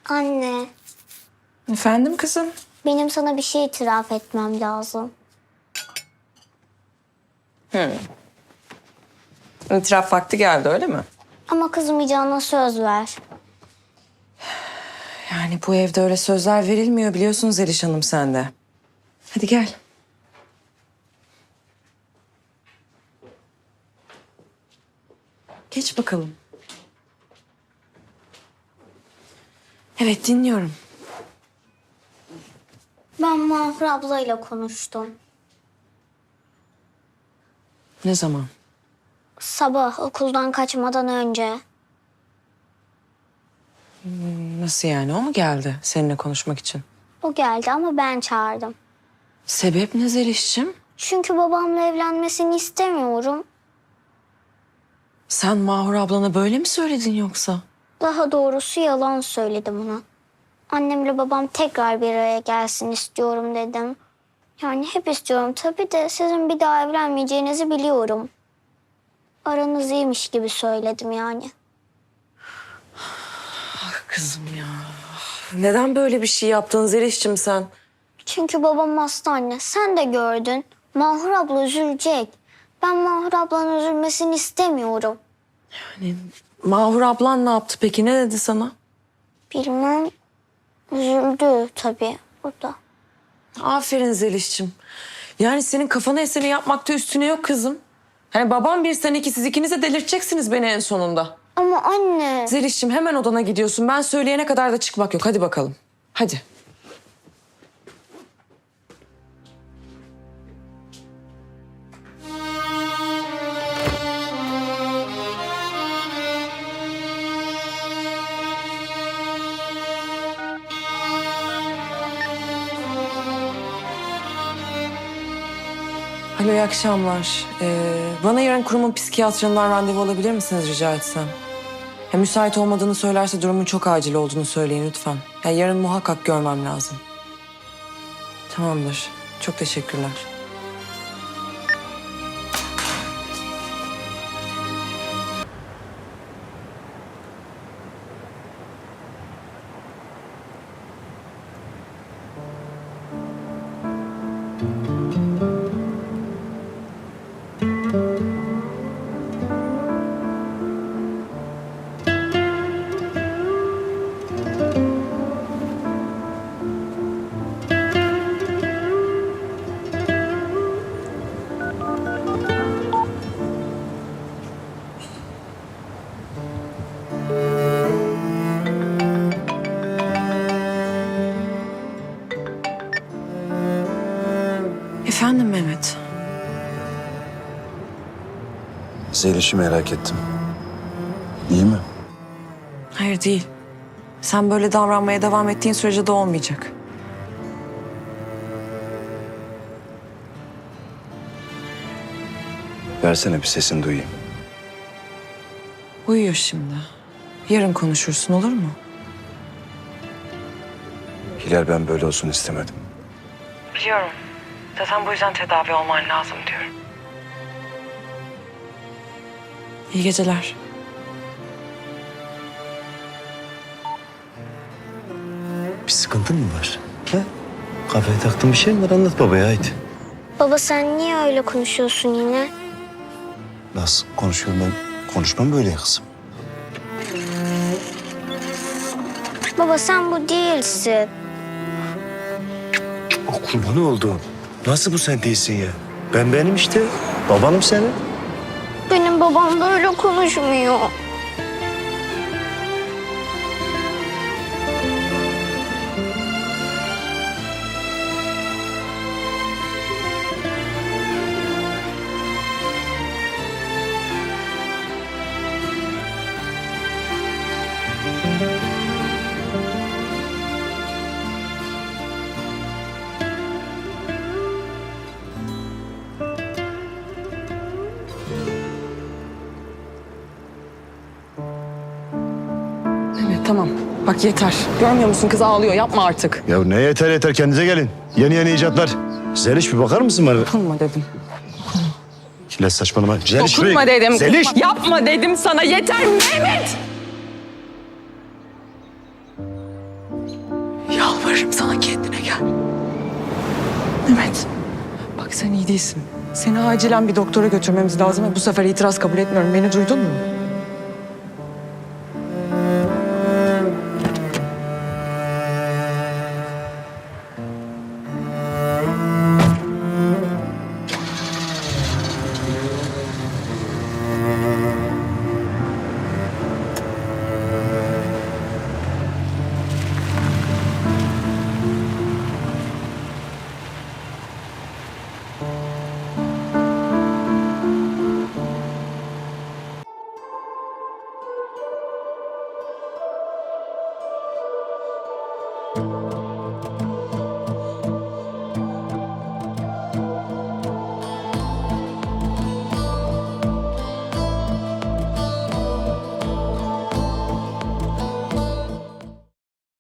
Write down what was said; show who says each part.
Speaker 1: Anne,
Speaker 2: Efendim kızım?
Speaker 1: benim sana bir şey itiraf etmem lazım.
Speaker 2: İtiraf vakti geldi öyle mi?
Speaker 1: Ama kızmayacağına söz ver.
Speaker 2: Yani bu evde öyle sözler verilmiyor biliyorsun Zeliş Hanım sen de. Hadi gel. Geç bakalım. Evet dinliyorum.
Speaker 1: Ben Mahur ablayla konuştum.
Speaker 2: Ne zaman?
Speaker 1: Sabah okuldan kaçmadan önce.
Speaker 2: Nasıl yani o mu geldi seninle konuşmak için?
Speaker 1: O geldi ama ben çağırdım.
Speaker 2: Sebep ne Zeliş'cim?
Speaker 1: Çünkü babamla evlenmesini istemiyorum.
Speaker 2: Sen Mahur ablana böyle mi söyledin yoksa?
Speaker 1: Daha doğrusu yalan söyledim ona. Annemle babam tekrar bir araya gelsin istiyorum dedim. Yani hep istiyorum tabii de sizin bir daha evlenmeyeceğinizi biliyorum. Aranız iyiymiş gibi söyledim yani.
Speaker 2: Kızım ya. Neden böyle bir şey yaptın Zeliş'cim sen?
Speaker 1: Çünkü babam hasta anne. Sen de gördün. Mahur abla üzülecek. Ben Mahur ablanın üzülmesini istemiyorum.
Speaker 2: Mahur ablan ne yaptı peki? Ne dedi sana?
Speaker 1: Bilmem. Üzüldü tabii o da.
Speaker 2: Aferin Zeliş'cim. Yani senin kafana eseni yapmakta üstüne yok kızım. Hani babam bir sen iki siz ikiniz de delirteceksiniz beni en sonunda.
Speaker 1: Ama anne.
Speaker 2: Zeliş'cim hemen odana gidiyorsun. Ben söyleyene kadar da çıkmak yok. Hadi bakalım. Hadi. Alo iyi akşamlar. Bana yarın kurumun psikiyatrından randevu alabilir misiniz rica etsem? Ya, müsait olmadığını söylerse durumun çok acil olduğunu söyleyin lütfen. Ya, yarın muhakkak görmem lazım. Tamamdır. Çok teşekkürler. Efendim Mehmet.
Speaker 3: Zeliş'i merak ettim. İyi mi?
Speaker 2: Hayır değil. Sen böyle davranmaya devam ettiğin sürece de olmayacak.
Speaker 3: Versene bir sesini duyayım.
Speaker 2: Uyuyor şimdi. Yarın konuşursun olur mu?
Speaker 3: Hilal ben böyle olsun istemedim.
Speaker 2: Biliyorum. Zaten bu yüzden tedavi olman lazım diyorum. İyi geceler.
Speaker 4: Bir sıkıntın mı var? He? Kafaya taktığın bir şey mi var? Anlat babaya haydi.
Speaker 1: Baba sen niye öyle konuşuyorsun yine?
Speaker 4: Nasıl konuşuyorum ben? Konuşmam böyle ya kızım.
Speaker 1: Baba sen bu değilsin.
Speaker 4: O kurbanı oldu. Nasıl bu sen değilsin ya? Ben benim işte. Babanım senin.
Speaker 1: Benim babam böyle konuşmuyor.
Speaker 2: Evet tamam. Bak yeter. Görmüyor musun kız ağlıyor. Yapma artık.
Speaker 4: Ya ne yeter yeter kendinize gelin. Yeni yeni icatlar. Zeliş bir bakar mısın bana?
Speaker 2: Dokunma dedim.
Speaker 4: Hilal saçmalama. Zeliş
Speaker 2: Dokunma dedim.
Speaker 4: Zeliş.
Speaker 2: Yapma dedim sana. Yeter Mehmet. Yalvarırım sana, kendine gel. Evet. Bak sen iyi değilsin. Seni acilen bir doktora götürmemiz lazım ve bu sefer itiraz kabul etmiyorum. Beni duydun mu?